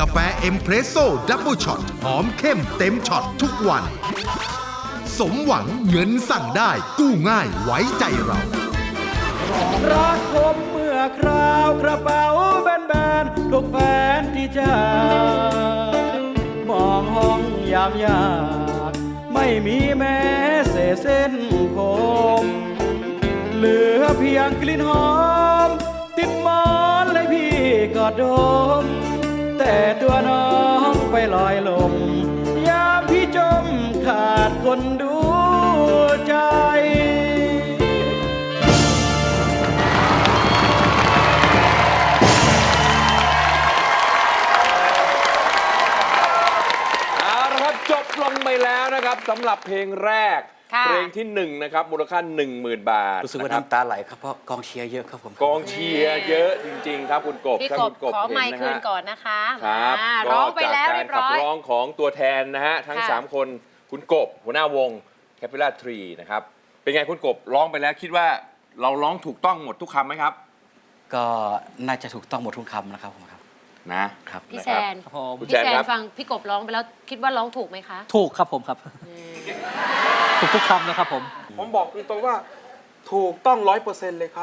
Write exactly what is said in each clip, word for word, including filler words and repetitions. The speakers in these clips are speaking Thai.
แฟเอ็มเพรสโซ่ดับเบิลช็อตหอมเข้มเต็มช็อตทุกวันสมหวังเงินสั่งได้กู้ง่ายไว้ใจเรารักผมเมื่อคราวกระเป๋าแบนๆทุกแฟนที่จากมองห้องยามยากไม่มีแม้เศษเส้นผมเหลือเพียงกลิ่นหอมติดหมอนเลยพี่กอดดมแต่ตัวน้องไปลอยลมยามพี่จมขาดคนดูใจจบลงไปแล้วนะครับสำหรับเพลงแรกเพลงที่หนึ่งนะครับมูลค่า หนึ่งหมื่น บาทรู้สึกว่าน้ำตาไหลครับเพราะกองเชียร์เยอะครับผมกองเชียร์เยอะจริงๆครับคุณกบพี่กบขอไมค์คืนก่อนนะคะครับร้องไปแล้วเรียบร้อยขับร้องของตัวแทนนะฮะทั้งสามคนคุณกบหัวหน้าวง Capella Tree นะครับเป็นไงคุณกบร้องไปแล้วคิดว่าเราร้องถูกต้องหมดทุกคำไหมครับก็น่าจะถูกต้องหมดทุกคำนะครับผมครับนะครับพี่แซนพี่แซนฟังพี่กบร้องไปแล้วคิดว่าร้องถูกไหมคะถูกครับผมครับถูกทุกคำนะครับผมผมบอกตรงๆว่าถูกต้องร้อยเปอร์เซ็นต์เลยครับ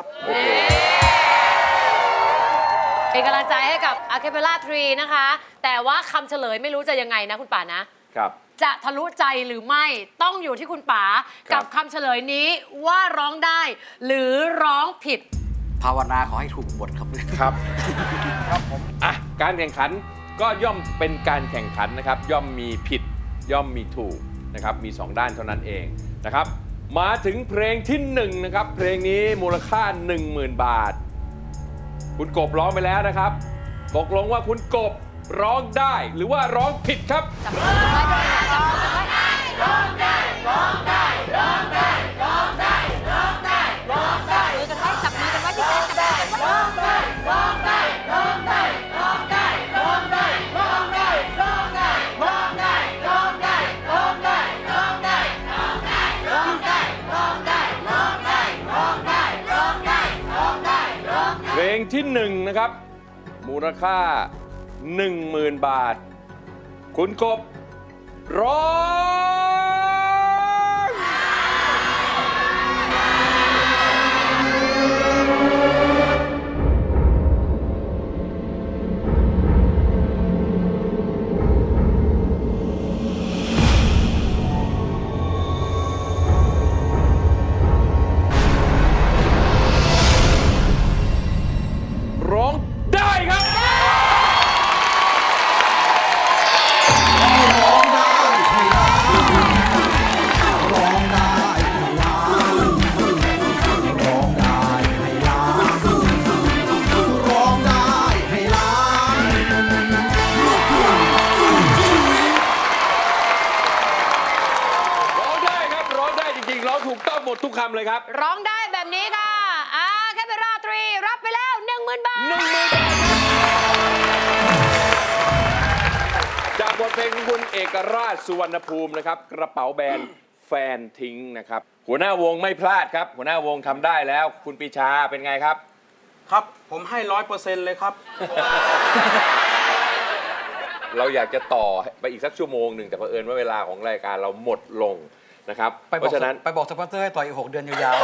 เป็นกำลังใจให้กับ Acapella Tree นะคะแต่ว่าคำเฉลยไม่รู้จะยังไงนะคุณป๋านะครับจะทะลุใจหรือไม่ต้องอยู่ที่คุณป๋ากับคำเฉลยนี้ว่าร้องได้หรือร้องผิดภาวนาขอให้ถูกบทครับครับครับผมอ่ะการแข่งขันก็ย่อมเป็นการแข่งขันนะครับย่อมมีผิดย่อมมีถูกนะครับมีสองด้านเท่านั้นเองนะครับมาถึงเพลงที่หนึ่งนะครับเพลงนี้มูลค่า หนึ่งหมื่น บาทคุณกบร้องไปแล้วนะครับตกลงว่าคุณกบร้องได้หรือว่าร้องผิดครับจับมือกันไว้จับมือกันไว้ร้องได้ร้องได้ร้องได้ร้องได้ร้องได้ร้องได้มือกันไว้จับมือกันไว้พี่แซนจับมือกันไว้ร้องได้ร้องได้ร้องได้ร้องได้ร้องได้ร้องได้ร้องได้ร้องได้ร้องได้ร้องได้ร้องได้ร้องได้ร้องได้ร้องได้ร้องได้ร้องได้ร้องได้ร้องได้ร้องได้เพลงที่หนึ่งนะครับมูลค่า หนึ่งหมื่น บาทคุณกบร้องร้องได้ครับถูกต้องหมดทุกคำเลยครับร้องได้แบบนี้ค่ะอาแคปเปราทรีรับไปแล้ว หนึ่งหมื่น บาทหนึ่งหมื่น บาทจากบทเพลงของคุณเอกราชสุวรรณภูมินะครับกระเป๋าแบรนด์แฟนทิ้งนะครับหัวหน้าวงไม่พลาดครับหัวหน้าวงทำได้แล้วคุณปีชาเป็นไงครับครับผมให้ร้อยเปอร์เซ็นต์เลยครับเราอยากจะต่อไปอีกสักชั่วโมงหนึ่งแต่เผอิญว่าเวลาของรายการเราหมดลงนะครับเพราะฉะนั้นไปบอกสปอนเซอร์ให้ต่ออีกหกเดือนยาว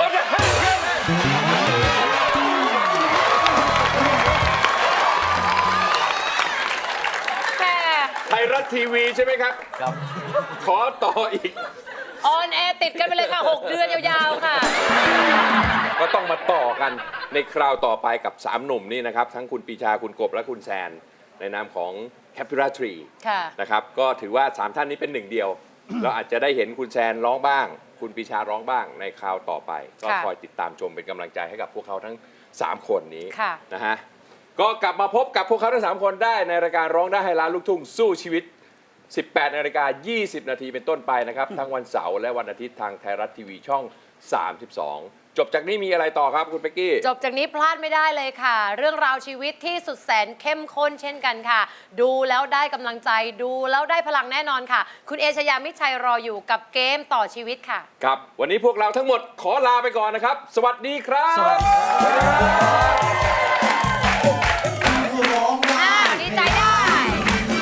ๆไทยรัฐทีวีใช่ไหมครับครับขอต่ออีกออนแอร์ติดกันไปเลยค่ะหกเดือนยาวๆค่ะก็ต้องมาต่อกันในคราวต่อไปกับสามหนุ่มนี่นะครับทั้งคุณปีชาคุณกบและคุณแซนในนามของ Capella Tree นะครับก็ถือว่าสามท่านนี้เป็นหนึ่งเดียวเราอาจจะได้เห็นคุณแซนร้องบ้างคุณปีชาร้องบ้างในคราวต่อไปก็คอยติดตามชมเป็นกำลังใจให้กับพวกเขาทั้งสามคนนี้นะฮะก็กลับมาพบกับพวกเขาทั้งสามคนได้ในรายการร้องได้ให้ล้านลูกทุ่งสู้ชีวิต สิบแปดนาฬิกายี่สิบนาทีเป็นต้นไปนะครับทั้งวันเสาร์และวันอาทิตย์ทางไทยรัฐทีวีช่องสามสิบสองจบจากนี้มีอะไรต่อครับคุณเป๊กกี้จบจากนี้พลาดไม่ได้เลยค่ะเรื่องราวชีวิตที่สุดแสนเข้มข้นเช่นกันค่ะดูแล้วได้กำลังใจดูแล้วได้พลังแน่นอนค่ะคุณเอชยามิชัยรออยู่กับเกมต่อชีวิตค่ะครับวันนี้พวกเราทั้งหมดขอลาไปก่อนนะครับสวัสดีครับสวัสดีครับดีใจได้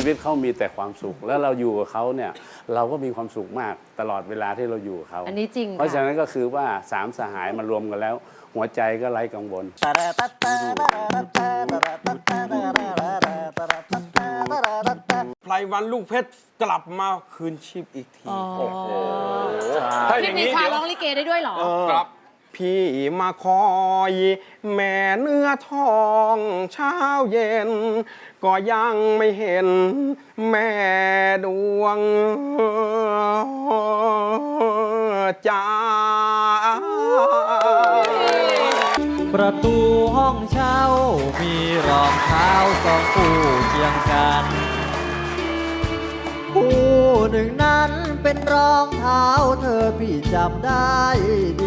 วิตเขามีแต่ความสุข แล้วเราอยู่กับเขาเนี่ยเราก็มีความสุขมากตลอดเวลาที่เราอยู่กับเขาอันนี้จริงเพราะฉะค่ะนั้นก็คือว่าสามสหายมารวมกันแล้ว หัวใจก็ไร้กังวลไพรวันลูกเพชรกลับมาคืนชีพอีกทีถ้าอพี่ย่างปีนี้ชาเดี๋ยวร้องลิเกได้ด้วยเหรอครับพี่มาคอยแม่เนื้อทองเช้าเย็น ก็ยังไม่เห็นแม่ดวงใจประตูห้องเช่ามีรองเท้าสองคู่เคียงกันคู่หนึ่งนั้นเป็นรองเท้าเธอพี่จำได้ดี